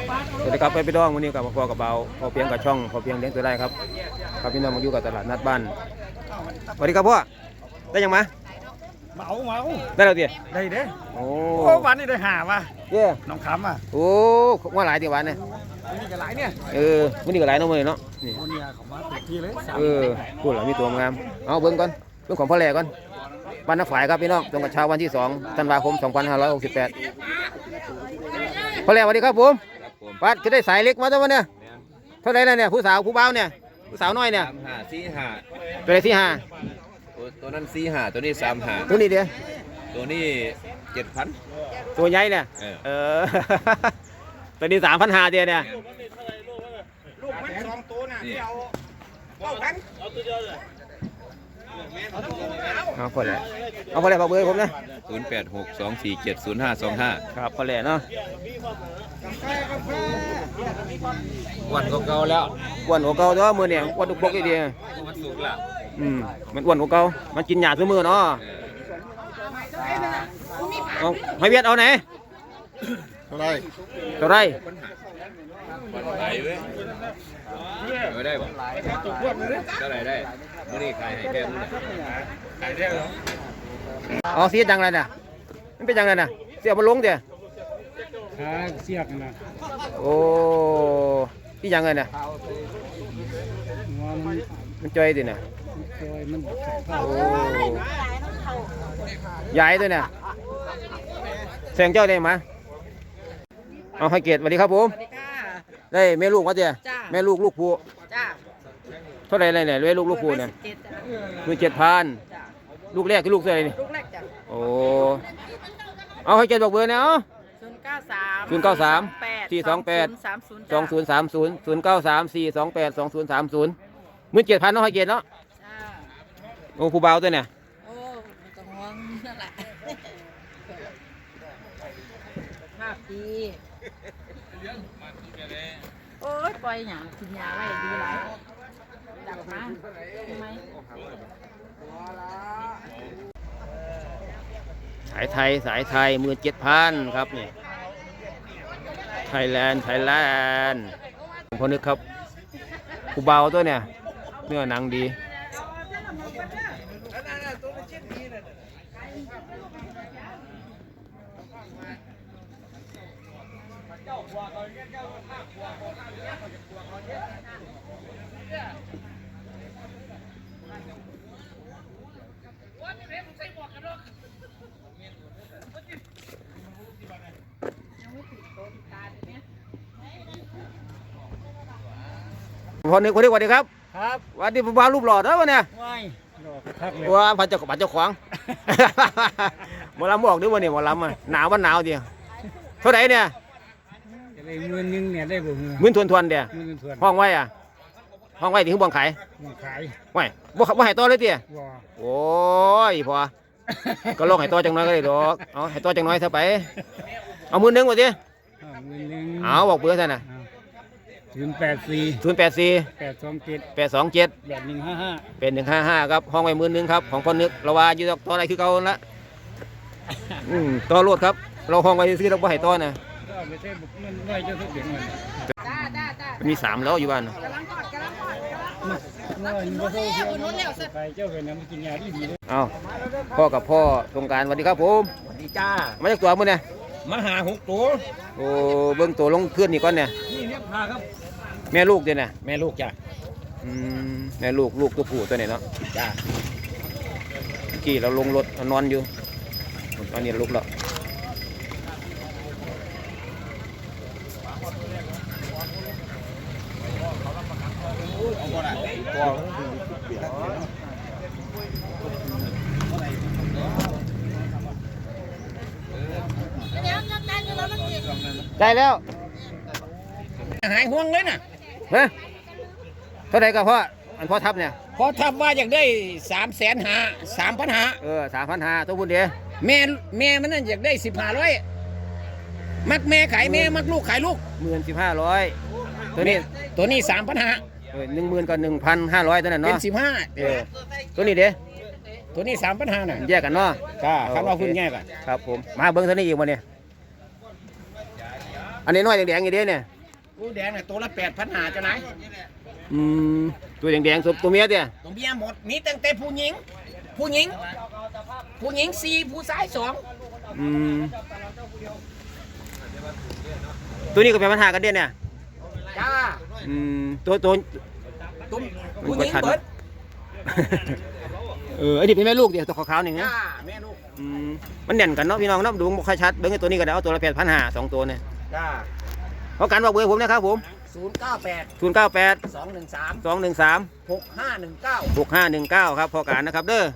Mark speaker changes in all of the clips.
Speaker 1: สวัสดีครับไปพี่น้องวันนี้กับพ่อกับเบาพอเพียงกับช่องพอเพียงเลี้ยงตัวได้ครับครับพี่น้องมาอยู่กับตลาดนัดบ้านสวัสดีครับพ่อได้ยังมาได้แล้วเตี๋ย
Speaker 2: ได้เด้
Speaker 1: โอ้
Speaker 2: วันนี้ได้หาว่ะ
Speaker 1: เย่
Speaker 2: น้องคำอ่ะ
Speaker 1: โอ้ว่าหลายตีวันเนี่ย
Speaker 2: วันนี้ก็หลายเนี่ย
Speaker 1: วันนี้ก็หลายน้องเลยเนาะนี่
Speaker 2: วันนี้เขามาติดที่เลย
Speaker 1: พูดแล้วมีตัวงามเอาเบิ้งก่อนเรื่องของพ่อแหล่ก่อนบ้านนักฝ่ายครับพี่น้องตรงกับเช้าวันที่2 ธันวาคม 2568พ่อแหล่สวัสดีครับผมปัดจะได้สายเล็กมาตัวเนี่ยเท่าไรแล้วเนี่ยผู้สาวผู้เบาเนี่ยผู้สาวน้อยเนี่ย
Speaker 3: 4-5
Speaker 1: ตัวไหนที่5
Speaker 3: ตัวนั้น4-5ตัวนี้3-5
Speaker 1: ตัวนี้เดียว
Speaker 3: ตัวนี้7,000
Speaker 1: ตัวใหญ่เนี่ยตัวนี้3,500เดียวเนี่ย
Speaker 2: ลูกมัน2ตัวน่ะที่เอาตัวเดียวเลย
Speaker 1: เอาพอแล้วบอกเบอร์ผมนะ
Speaker 3: 0862470525
Speaker 1: ครับพอแล้วเนาะ
Speaker 3: วันเก่าแล้ว
Speaker 1: อ้วนกว่าเก่าเนาะมือเนี่ยอ้วนตุกปกดี
Speaker 3: มันสุกแล้ว
Speaker 1: มันอ้วนกว่าเก่ามันกินหญ้าทุกมื้อเนาะเอาให้เวียดเอาไหน
Speaker 2: เท่าไร
Speaker 3: ไหลเว้ยไม่ได้บ่เท่าไหร่ได้มื้อนี้ขายให้แค่มื้อไหนขายได้เหรอ
Speaker 1: อ๋อเสียจังเลยน่ะมันเป็นจังเลยน่ะเสียมันลงเดี๋ยว
Speaker 2: เสียกนะ
Speaker 1: โอ้ที่ยังไงน่ะมันจอยดิน่ะโอ้ใหญ่ด้วยน่ะแสงเจ้าได้มาเอาให้เกียรติสวัสดีครับผมได้แม่ลูกวะเจ้แม่ลูกผู้เท่าไรเลยเนี่ยแม่ลูกผู้เนี่ย17,000ลูกแรกคือลูกเท่าไรนี่
Speaker 4: ลูกแรกจ้ะ
Speaker 1: โอ้เอาให้เกียรติบอกเบอร์เนี่ยเอา093 428 2030 17,000เนาะให้เกียรติเนาะโอ้ผู้เบาตัวเนี่ย
Speaker 4: โอ้ต้องห่วงนั่นแหละภาพดีโอ้ยปล่อยหยากินยาไว้ดีหลายดับมาทำไม
Speaker 1: สายไทย17,000ครับนี่ไทยแลนด์ผมพอนึกครับผู้เบาตัวเนี่ยเนื้อหนังดีพอนึกสวัสดีครับวันนี้ผู้เบารูปหล่อแล้วเนี่ยว่าพันเจ้าของหมอลำบอกด้วยวันนี้หมอลำหนาววันหนาวเดียวเท่าไหร่เนี่ย
Speaker 2: 10,000เนี่ยได้บ่
Speaker 1: มื้อทวนเดียวห้องไว้ถึงบ่งขายไว้บ่ให้ต่อเลยเตี้ยโอ้ยพอก็ลองให้ต่อจังน้อยก็ได้ดอกเอาให้ต่อจังน้อยเท่าไปเอามื้อนึงว่าติเอาบอกเบอร์ซะน่ะ
Speaker 2: 084 827
Speaker 1: 155ครับห้องไว้11,000ครับของพ่อนึกเราว่าอยู่ต่ออะไรคือเก่าละต่อรถครับเราห้องไว้ซื้อเราบ่ให้ต่อนะมี3แล้วอยู่บ้านเอาพ่อกับพ่อตรงการสวัสดีครับผม
Speaker 2: สวัสดีจ้า
Speaker 1: มาจากตัวมื้อเนี่ย
Speaker 2: มาหา6ตัว
Speaker 1: โอ้เบิ่งตัวลงขึ้นนี่ก่อนเนี่ย
Speaker 2: นี่เรียกพาครับ
Speaker 1: แม่ลูกเด้น่ะ
Speaker 2: แม่ลูกจ้ะ
Speaker 1: แม่ลูกตัวผู้ตัวนี้เนาะ
Speaker 2: จ้า
Speaker 1: กี่เราลงรถนอนอยู่ตอนนี้ลุกแล้วได้แล้ว
Speaker 2: หายห่วงเลยน่ะ
Speaker 1: เท่าไหร่กับพ่ออันพ่อทับเนี่ย
Speaker 2: พอทับว่าอยากได้3,500
Speaker 1: 3,500ตัวบุญเดีย
Speaker 2: แม่มันนั่นอยากได้15,000มักแม่ขายแม่มักลูกขายลูก
Speaker 1: 15,000ตัวนี้
Speaker 2: 3,500
Speaker 1: 10,000กับ1,500ตัวนั้นเนาะ
Speaker 2: เป็น
Speaker 1: 15ตัวนี้เด้
Speaker 2: ตัวนี้3,500น่ะ
Speaker 1: แยกกันเนาะ
Speaker 2: คันว่าคุณแยกกัน
Speaker 1: ครับผมมาเบิ้งตัวนี้อีกวันนี้อันนี้น้อยแดงๆอย่างเดียวเนี่ย
Speaker 2: ผู้แดงเนี่ยตัวละ8,500เจ้านาย
Speaker 1: ตัวแดงๆตัวเมียเตี้ย
Speaker 2: ตัวเมียหมดมีตั้งแต่ผู้หญิง4ผู้ชาย2
Speaker 1: ตัวนี้ก็เป็นปัญหากันเด่นเนี่ย
Speaker 2: จ้า
Speaker 1: ตัว
Speaker 2: ตุ้มผู้หญิงเบิด
Speaker 1: อันนี้เป็นแม่ลูกเดียวตัวขาวๆนี่นะ
Speaker 2: จ้าแม่ลูก
Speaker 1: มันเด่นกันเนาะพี่น้องเนาะดูบ่ค่อยชัดเบิ่งไอ้ตัวนี้ก็ได้เอาตัวละ8,500 2ตัวเนี่ย
Speaker 2: จ้า
Speaker 1: เพราะกันบอกเบอร์ผมนะครับผม
Speaker 2: 098
Speaker 1: 098
Speaker 2: 213
Speaker 1: 213
Speaker 2: 6519
Speaker 1: 6519ครับพอการนะครับเด้อ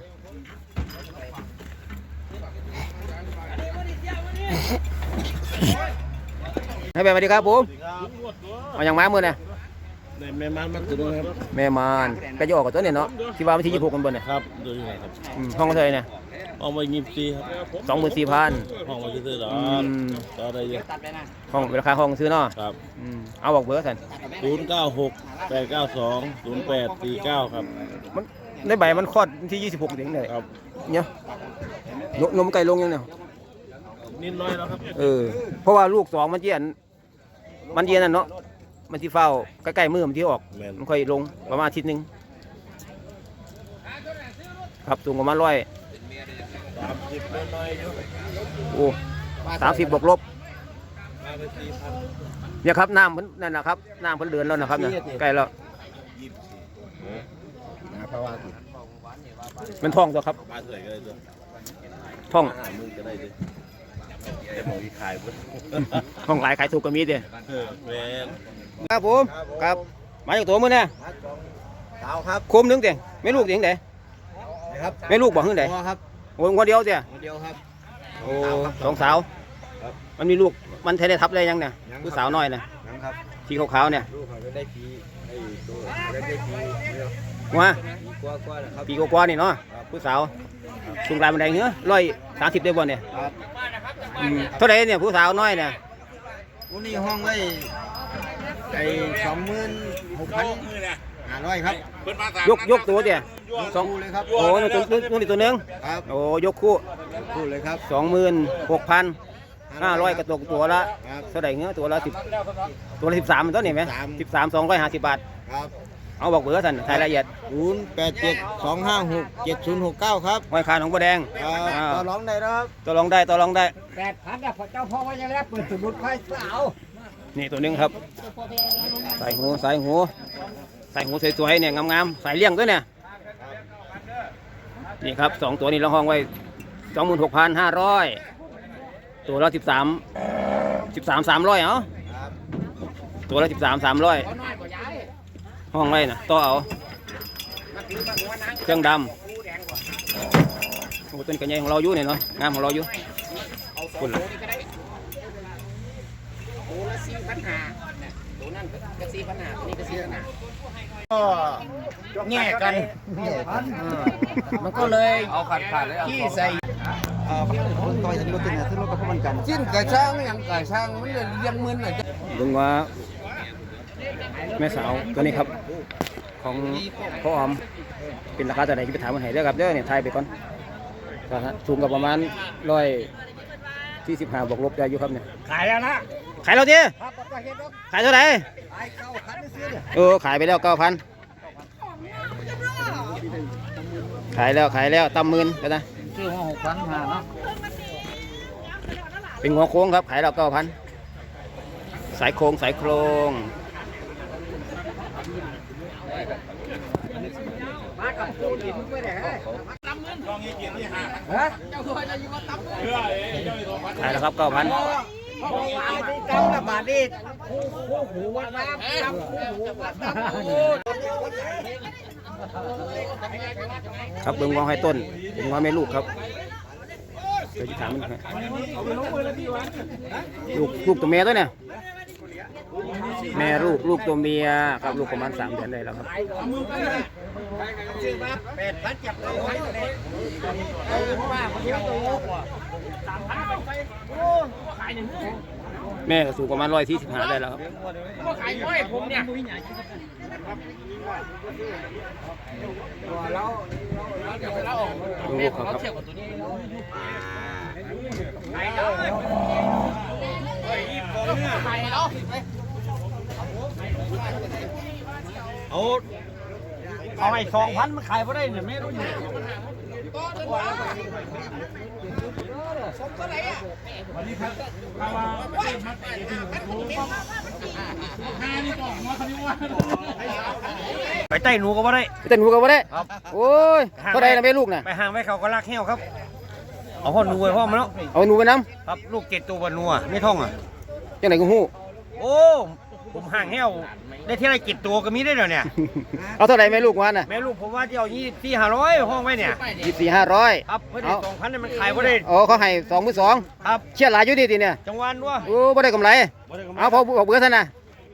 Speaker 1: ให้ไปสวัสดีครับผมเอาอย่างม้ามือเนี่ย
Speaker 5: แม่มันตัวนึงครับ
Speaker 1: แม่มานก็จะออกกับตัวเนี่ยเนาะที่ว่าวันที่26กันบนเนี่ย
Speaker 5: ครับดูยังไงครับ
Speaker 1: ห้องเท่าไหร่เนี่ย
Speaker 5: เอามา24ครับ
Speaker 1: 24,000
Speaker 5: ห้องมาซื้อๆหรอต่อได้เยอะ
Speaker 1: ห้องราคาห้องซื้อเนาะ
Speaker 5: ครับ
Speaker 1: เอาบอกเบอร์สัน
Speaker 5: 096 892 0849ครับ
Speaker 1: มันในใบมันคลอดวันที่26ถึงเลย
Speaker 5: ครับ
Speaker 1: เนี่ยนมไก่ลงยังเนี่ย
Speaker 5: นิดน้อยแล้วครับ
Speaker 1: เพราะว่าลูก2มันเจียนนั่นเนาะมันที่เฝ้าใกล้ๆมือมันที่ออก
Speaker 5: แม่น
Speaker 1: มันค่อยลงประมาณอาทิตย์หนึงครับสูงประมาณ100
Speaker 5: 30น้อยๆอยู่
Speaker 1: โอ้30บวกลบ
Speaker 5: มาไป4,000
Speaker 1: เนี่ยครับน้ำเพิ่นนั่นนะครับน้ำเพิ่นเดือนแล้วนะครับเนี่ยใกล้แล้วมันท้องตัวครับ
Speaker 5: มาเท่าไหร่ก็ได้ตัว
Speaker 1: ท้อง
Speaker 5: 50,000ก็ได้ดิจะมองที่ขายพุ่น
Speaker 1: ท้องหลายขายถูกก็มีเด้
Speaker 5: แม่น
Speaker 1: ครับผมครับมาจากตัวมื้อเนี่ย
Speaker 2: สาวครับ
Speaker 1: โคมหนึงเด้ไม่ลูกเด้จังได๋
Speaker 2: นะครับ
Speaker 1: ไม่ลูกบ่ฮึ่งได๋
Speaker 2: พ่อครับ
Speaker 1: โอ้ยคนเดียวเด้
Speaker 2: เดียวครับ
Speaker 1: โอ้สองสาวมันมีลูกมันแท้ได้ทับได้ยังเนี่ยผู้สาวน้อยน่ะ
Speaker 2: นะครับ
Speaker 1: สีขาวๆเนี่ย
Speaker 2: ลูกเขาก็ได้ปีไอ้ตัวได้ปีเดียว
Speaker 1: ว่า
Speaker 2: ปีกว่าๆนะครับ
Speaker 1: ปีกว่าๆนี่เนาะผู้สาวสูงรายบันไดเหรอ130ได้บ่เนี่ย
Speaker 2: ครับ
Speaker 1: เท่าไหร่เนี่ยผู้สาวน้อยเนี่ย
Speaker 2: วันนี้ห้องไว้ไอ้26,500ครับ
Speaker 1: ยกตัวเด้สอง
Speaker 2: คู่เลยครับ
Speaker 1: โอ้นี่ตัวหนึง
Speaker 2: ครับ
Speaker 1: โอ้ยกคู่
Speaker 2: คู่เลยครับ
Speaker 1: 26,500กระตกตัวละ
Speaker 2: ครับ
Speaker 1: เท่าไหร่เงี้ยตัวละ10ตัวละ13มันต้นนี่ไหม 13 250 บาท
Speaker 2: ครับ
Speaker 1: เอาบอกเบอร์สั่นรายละเอียด
Speaker 2: 087 256 7069ครับ
Speaker 1: ห้อยขาหนองบัวแดง
Speaker 2: ต่อร้องได้แล้วครับ
Speaker 1: ต่อรองได้
Speaker 2: 8,000อ่ะพระเจ้าพ่อว่าจะแล้วเปิดสมุดไฟสาว
Speaker 1: นี่ตัวหนึงครับสายหูสวยๆเนี่ยงามๆสายเลี้ยงด้วยเนี่ยนี่ครับ2ตัวนี้เราห้องไว้ 26,500 ตัวละ13 300เอาตัวละ13 300ห้องไว้นะต่อเอาเครื่องดำโอ้ต้นกระเยงของเราอยู่เนี่ยเนาะงามของเราอยู่คุณล่ะ
Speaker 2: ตัวละ4,500ตัวนั้นก็4,500ตัวนี้ก็4,500ก็แง่กันมันก็เลย
Speaker 3: เอาขาดเลยเอา
Speaker 2: ที่ใส่
Speaker 5: ต่อยจะรถเนี่ยซื้อรถกับพวกมันกัน
Speaker 2: จิ้นกระช่างอย่างกระช่างมันเลยยังมึนอ่ะ
Speaker 1: ลุงว่าแม่สาวตัวนี้ครับของพ่อออมเป็นราคาแต่ไหนที่ไปถามมันให้เด้อครับเด้อเนี่ยทายไปก่อนก็สูงกับประมาณ145บวกลบได้อยู่ครับเนี่ย
Speaker 2: ขายแล้วนะ
Speaker 1: ขายเราดิ
Speaker 2: ครับก็เห็นแล้ว
Speaker 1: ขายเท่าไหร่
Speaker 2: ขาย9,000ซื้อเนี่ย
Speaker 1: ขายไปแล้ว9,000ขายแล้วตำหมื่นไปนะ
Speaker 2: ซื้อมา6,500เนาะ
Speaker 1: เป็นหัวโค้งครับขายแล้ว9,000สายโครง
Speaker 2: มากับปูหินไปไหนฮะเจ้าตัวจะอยู่กับตั้ม
Speaker 1: ขายแล้วครับ9,000
Speaker 2: พ่อวางที่ตั้มละบาทนี่คู่หูวัดน้ำตั้มคู่หูวัดน้ำ
Speaker 1: ครับเบิ่งวางให้ต้นเบิ่งวางแม่ลูกครับเดี๋ยวจะถามมันครับลูกตัวเมียด้วยเนี่ยแม่ลูกตัวเมียครับลูกประมาณ3 เดือนได้แล้วครับ
Speaker 2: ซื้อมา8,000จับเอาไว้เลยว่ามันเยอะโตกว่า3,000
Speaker 1: แม่ก็สูงประมาณ145ได้แล้วครับ
Speaker 2: ขายน้อยผมเนี่ยเรา
Speaker 1: ลูกเขาครับ
Speaker 2: ขายแล้วขายแล้วเอาให้2,000มันขายบ่ได้เนี่ยแม่รู้อยู่ไปใต้หนูก็บ่ได้
Speaker 1: เต้นหูกันบ่ได้
Speaker 2: ครับ
Speaker 1: โอ้ยเท่าใดล่ะแม่ลูกน่ะ
Speaker 2: ไปห่างไว้เขาก็รักแห้วครับเอาพ่อหนูไว้พ่อมันแล้ว
Speaker 1: เอาหนูไปนํ
Speaker 2: ครับลูก7ตัวบนนัวไม่ท่องอ่ะ
Speaker 1: จังได๋ก็ฮู้
Speaker 2: โอ้ผมห่างแห้วได้ที่ไร7ตัวก็มีได้เดี๋ยวเนี่ย
Speaker 1: เอาเท่าใดแม่ลูกว่าน่ะ
Speaker 2: แม่ลูกผมว่าจะเอา24,500ห้องไว้เนี่ย
Speaker 1: 24,500
Speaker 2: ครับเพื่อได้2,000เนี่ยมันขายบ่ได้
Speaker 1: โอ้เขาให้22,000
Speaker 2: ครับ
Speaker 1: เชี่ยหลายอยู่ดีติเนี่ย
Speaker 2: จังหวัดด้วย
Speaker 1: โอ้บ่ได้กำไรเอาพอบอกเบอร์ซั่นน่ะ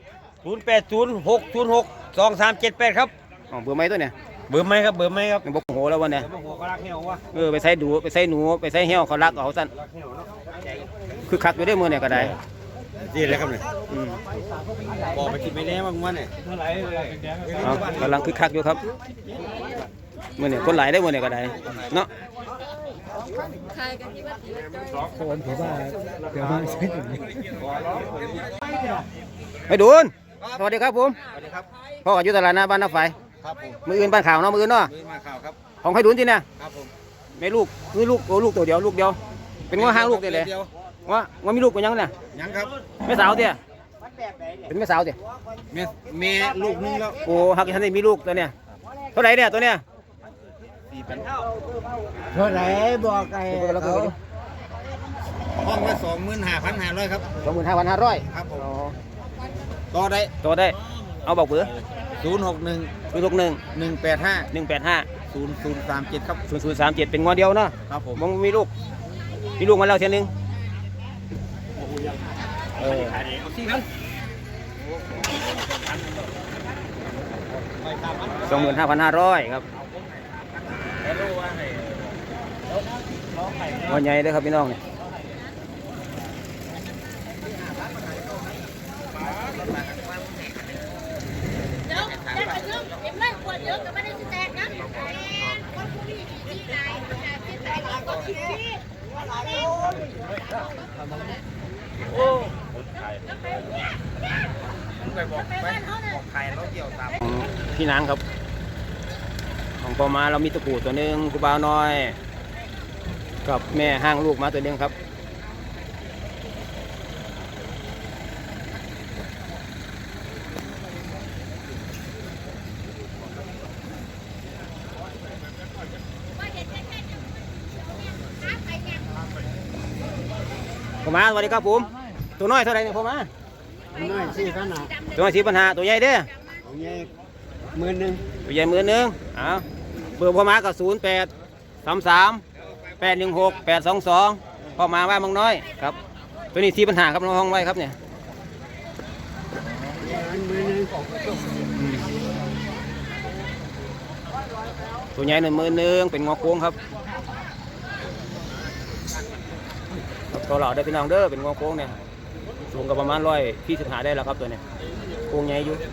Speaker 2: 0806062378ครับ
Speaker 1: อ๋อเบอร์ใหม่ตัวเนี่ย
Speaker 2: เบอร์ไหมครับเบอร์ไหมครับ
Speaker 1: บ่โหแล้ววันเนี่ย
Speaker 2: หัวก็รักแห้ววะ
Speaker 1: ไปใส่ดูไปใส่หนูไปใส่เหี่ยวเขารักเอาซั่นคือคักอยู่ได้มื้อเนี่ยก็ได้
Speaker 2: นี่เลยครับเนี่ย
Speaker 1: อืม
Speaker 2: บอกไปกินไม่แน่มากมันเนี่ยเท่าไหร่
Speaker 1: เอากำลังคือคักอยู่ครับมื้อเนี่ยคนหลายได้มื้อเนี่ยก็ได้เนาะไปดูนสวัสดีครับผม
Speaker 2: สวัสดีครับ
Speaker 1: พ่อก็อยู่ตลาดหน้าบ้านน้าไฟ
Speaker 2: ครับผม
Speaker 1: มืออื่นบ้านข่าวเนาะมืออื่นเนาะ
Speaker 2: มือมาข่าวครับ
Speaker 1: ของไผดุนที่เนี่ย
Speaker 2: ครับผม
Speaker 1: แม่ลูกมีลูกโอ้ลูกตัวเดียวลูกเดียวเป็นว่าห้างลูกได้เลยว่ามีลูกเป็นยังเนี่ย
Speaker 2: ยังครับ
Speaker 1: แม่สาวเตี้ยเป็นแม่สาวเตี้ย
Speaker 2: แม่ลูกนึงแล้ว
Speaker 1: โอ้หักท่านได้มีลูกตัวเนี่ยเท่าไหร่เนี่ยตัวเนี่ย
Speaker 2: เท่าไหร่บอกไอ้
Speaker 1: แล้วก็
Speaker 2: ห้องละ25,500ครับ
Speaker 1: 25,500
Speaker 2: ครับผมต่อได้
Speaker 1: ตัวได้เอาบอกเบอร์
Speaker 2: 061
Speaker 1: 061
Speaker 2: 185
Speaker 1: 185
Speaker 2: 0037ครับ
Speaker 1: 0037เป็นงอเดียวเนาะ
Speaker 2: ครับผม
Speaker 1: มึงมีลูกมาแล้วเทียนึง25,500ครับงอใหญ่เด้อครับพี่น้องเนี่ย
Speaker 6: เดี๋ยวเดี๋ยวเดี๋ยวไม่ขวดเยอะก็ไม่ได้จะแจกนะคนผู้นี้ที่ไหนที่ไหนก็คิดที่
Speaker 1: พี่นางครับของปอมาเรามีตะกรูดตัวหนึงกูบ่าวน้อย กับแม่ห้างลูกมาตัวหนึงครับพ่อมาสวัสดีครับผมตัวน้อยเท่าไหร่เนี่ยพ่อมา
Speaker 2: น้อย4,500
Speaker 1: ตัวน้อย4,500ตัวใหญ่เด้อ
Speaker 2: ของใหญ่10,000
Speaker 1: ตัวใหญ่10,000อ้าวเบอร์พ่อมาก็0833816822พ่อมาว่ามังน้อยครับตัวนี้4,500ครับน้องห้องไว้ครับเนี่ยตัวใหญ่10,000เป็นงอโค้งครับตัวเหล่าได้พี่น้องเด้อเป็นงอโค้งเนี่ยสูงกับประมาณ125ได้แล้วครับตัวเนี้โค้งใหญ่อยู่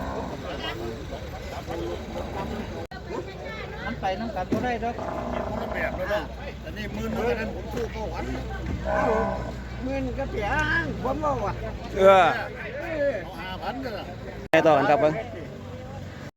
Speaker 2: มันไปน้ำกันก็ได้ดอกอันนี้มือนั้นผมสู้ก็หวันมือก็เสียผมว่าว่ะ
Speaker 1: 5,000ก็ไงต่อกันครับเพิ่ง